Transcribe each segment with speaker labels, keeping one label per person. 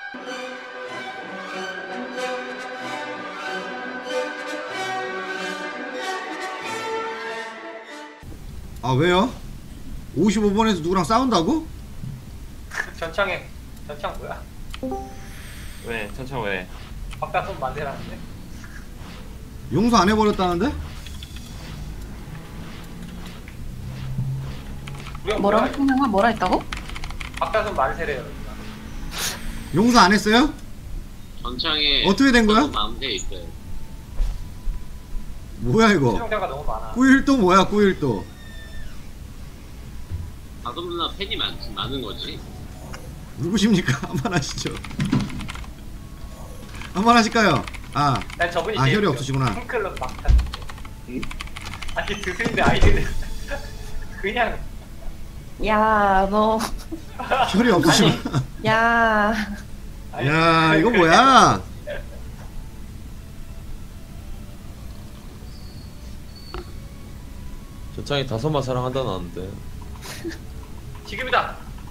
Speaker 1: 아 왜요? 55번에서 누구랑 싸운다고?
Speaker 2: 전창 뭐야?
Speaker 3: 왜? 천천 왜?
Speaker 2: 바깥손 만세라는데?
Speaker 1: 용서 안 해버렸다는데?
Speaker 4: 뭐라고? 형아 뭐라 했다고?
Speaker 2: 바깥손 만세래요.
Speaker 1: 용서 안 했어요?
Speaker 5: 전창에
Speaker 1: 어떻게 된 거야?
Speaker 5: 마음대 있어요.
Speaker 1: 뭐야 이거?
Speaker 2: 실용자가 너무 많아.
Speaker 1: 꾸일도 뭐야 꾸일도?
Speaker 5: 다솜 누나 팬이 많은 거지.
Speaker 1: 누구십니까? 한번 하시죠. 한번 하실까요? 아,
Speaker 2: 난 저분이
Speaker 1: 아
Speaker 2: 제일
Speaker 1: 혈이
Speaker 2: 웃겨.
Speaker 1: 없으시구나.
Speaker 2: 팬클럽 막탄. 아니 드는데 아이들 그냥
Speaker 4: 야, 너.
Speaker 1: 혈이 없으시구나.
Speaker 4: 야.
Speaker 2: 아니,
Speaker 1: 야 이거 뭐야?
Speaker 3: 전창이 5만 사랑한다 나는데.
Speaker 2: 지금이다.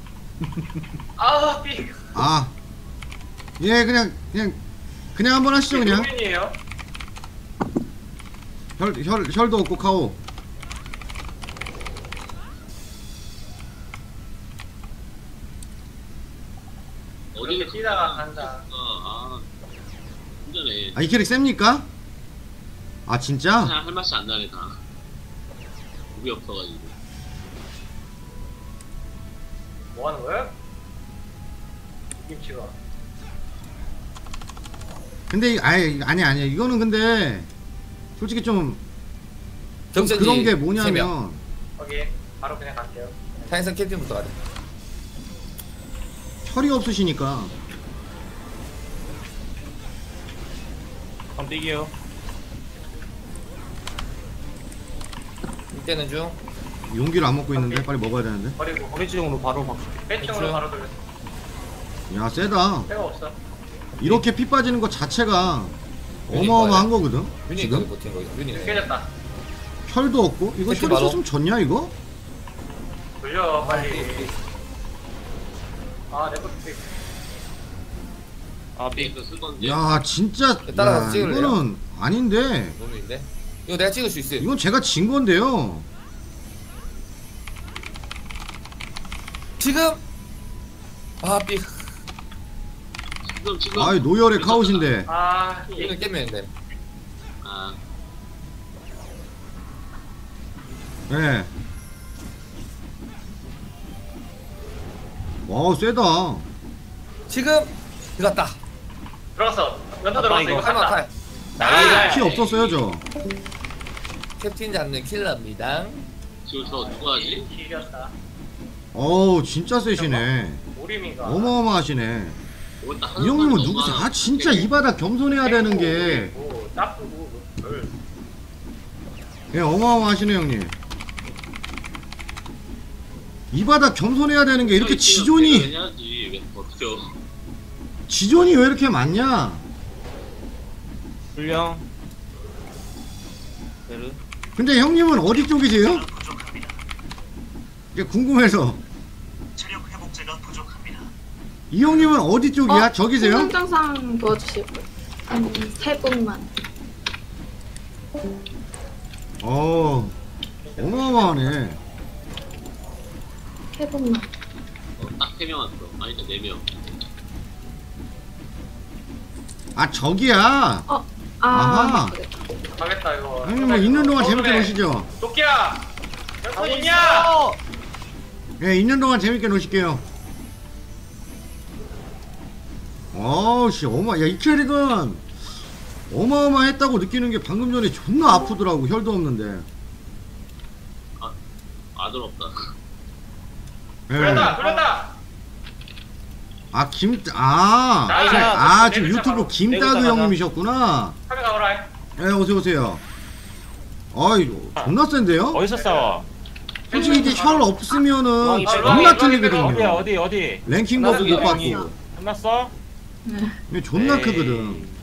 Speaker 2: 아 삐.
Speaker 1: 아, 예 그냥 한번 하시죠 그냥.
Speaker 2: 국민이에요.
Speaker 1: 혈도 없고 카오.
Speaker 2: 이렇게 뛰다가 간다.
Speaker 5: 아, 힘드네.
Speaker 1: 아 이 캐릭 셉니까? 아 진짜?
Speaker 5: 그냥 할 맛이 안 나네 다. 우리 없어가지고.
Speaker 2: 뭐 하는 거야? 김치가.
Speaker 1: 근데 아니 이거는 근데 솔직히 좀
Speaker 6: 경선지
Speaker 1: 그런 게
Speaker 6: 3명.
Speaker 1: 뭐냐면
Speaker 2: 거기 바로 그냥 갈게요.
Speaker 6: 타이슨 캡틴부터 가자.
Speaker 1: 혈이 없으시니까.
Speaker 3: 한번 뛰기요.
Speaker 6: 이때는 중.
Speaker 1: 용기를 안 먹고 있는데 빨리 먹어야 되는데.
Speaker 2: 버리고
Speaker 3: 오리지용으로 바로 막.
Speaker 2: 배팅으로 바로 돌렸어.
Speaker 1: 야 세다.
Speaker 2: 때가 없어.
Speaker 1: 이렇게 피 빠지는 것 자체가 어마어마한 거거든.
Speaker 6: 윤이 거기
Speaker 1: 지금
Speaker 6: 버틴 거. 윤이네.
Speaker 2: 깨졌다.
Speaker 1: 혈도 없고 이거
Speaker 6: 새끼
Speaker 1: 혈이
Speaker 6: 바로.
Speaker 1: 있었으면 졌냐 이거?
Speaker 2: 돌려 빨리. 아 내거
Speaker 3: 아 삐.
Speaker 5: 그 쓸 건데.
Speaker 1: 야 진짜
Speaker 6: 따라가서
Speaker 1: 야,
Speaker 6: 찍을래요?
Speaker 1: 이거는 아닌데
Speaker 6: 놈인데. 이거 내가 찍을 수 있어.
Speaker 1: 이건 제가 진 건데요.
Speaker 6: 지금. 아 삐.
Speaker 5: 지금.
Speaker 1: 아이 노열의 카웃인데.
Speaker 2: 아
Speaker 6: 이거 깨면 돼.
Speaker 5: 아,
Speaker 1: 예. 와 세다.
Speaker 6: 지금 들어갔다.
Speaker 2: 들어갔어. 연타
Speaker 3: 아,
Speaker 2: 들어갔어.
Speaker 3: 이거
Speaker 2: 이거
Speaker 6: 할만
Speaker 2: 간다.
Speaker 6: 탈.
Speaker 2: 나이스.
Speaker 1: 피 없었어요 저.
Speaker 6: 캡틴 잡는 킬러입니다.
Speaker 5: 지금 저 누가 하지?
Speaker 2: 이겼다.
Speaker 1: 어우 진짜 세시네.
Speaker 2: 오리미가.
Speaker 1: 어마어마하시네.
Speaker 5: 뭐 딱
Speaker 1: 이
Speaker 5: 하는
Speaker 1: 형님은
Speaker 5: 것만
Speaker 1: 누구세요? 아
Speaker 5: 너무
Speaker 1: 진짜 이 바닥 겸손해야 되는 게.
Speaker 2: 나쁘고.
Speaker 1: 예 어마어마하시네 형님. 이 바닥 겸손해야 되는 게 이렇게 지존이
Speaker 5: 해야지. 왜 버텨?
Speaker 1: 지존이 왜 이렇게 많냐?
Speaker 3: 불령. 베르.
Speaker 1: 근데 형님은 어디 쪽이세요? 이게 궁금해서. 이 형님은 어디 쪽이야? 저기세요?
Speaker 7: 행정상 도와주시고 한 3분만.
Speaker 1: 어마어마하네.
Speaker 7: 3분만.
Speaker 5: 딱 3명 왔어. 아니다 4명.
Speaker 1: 아 저기야. 아하.
Speaker 2: 가겠다 이거.
Speaker 1: 형님 뭐 있는 동안 재밌게 노시죠.
Speaker 2: 도끼야. 연탄 있냐?
Speaker 1: 예 있는 동안 재밌게 노실게요. 어우씨 야이 캐릭은 어마어마했다고 느끼는 게 방금 전에 존나 아프더라고. 혈도 없는데.
Speaker 5: 아들 없다.
Speaker 1: 예.
Speaker 2: 돌렸다.
Speaker 1: 아 지금 유튜브 김따그 형님이셨구나.
Speaker 2: 카메라 가보라.
Speaker 1: 예 어서오세요. 아이 존나 센데요?
Speaker 3: 어디서 싸워?
Speaker 1: 솔직히 이게 혈 없으면은
Speaker 3: 왕이
Speaker 1: 존나
Speaker 3: 어디야
Speaker 1: 틀리거든요.
Speaker 3: 어디?
Speaker 1: 랭킹 버프 못
Speaker 3: 끝났어?
Speaker 1: 받고.
Speaker 3: 끝났어?
Speaker 7: 네.
Speaker 1: 이게 존나
Speaker 3: 에이.
Speaker 1: 크거든.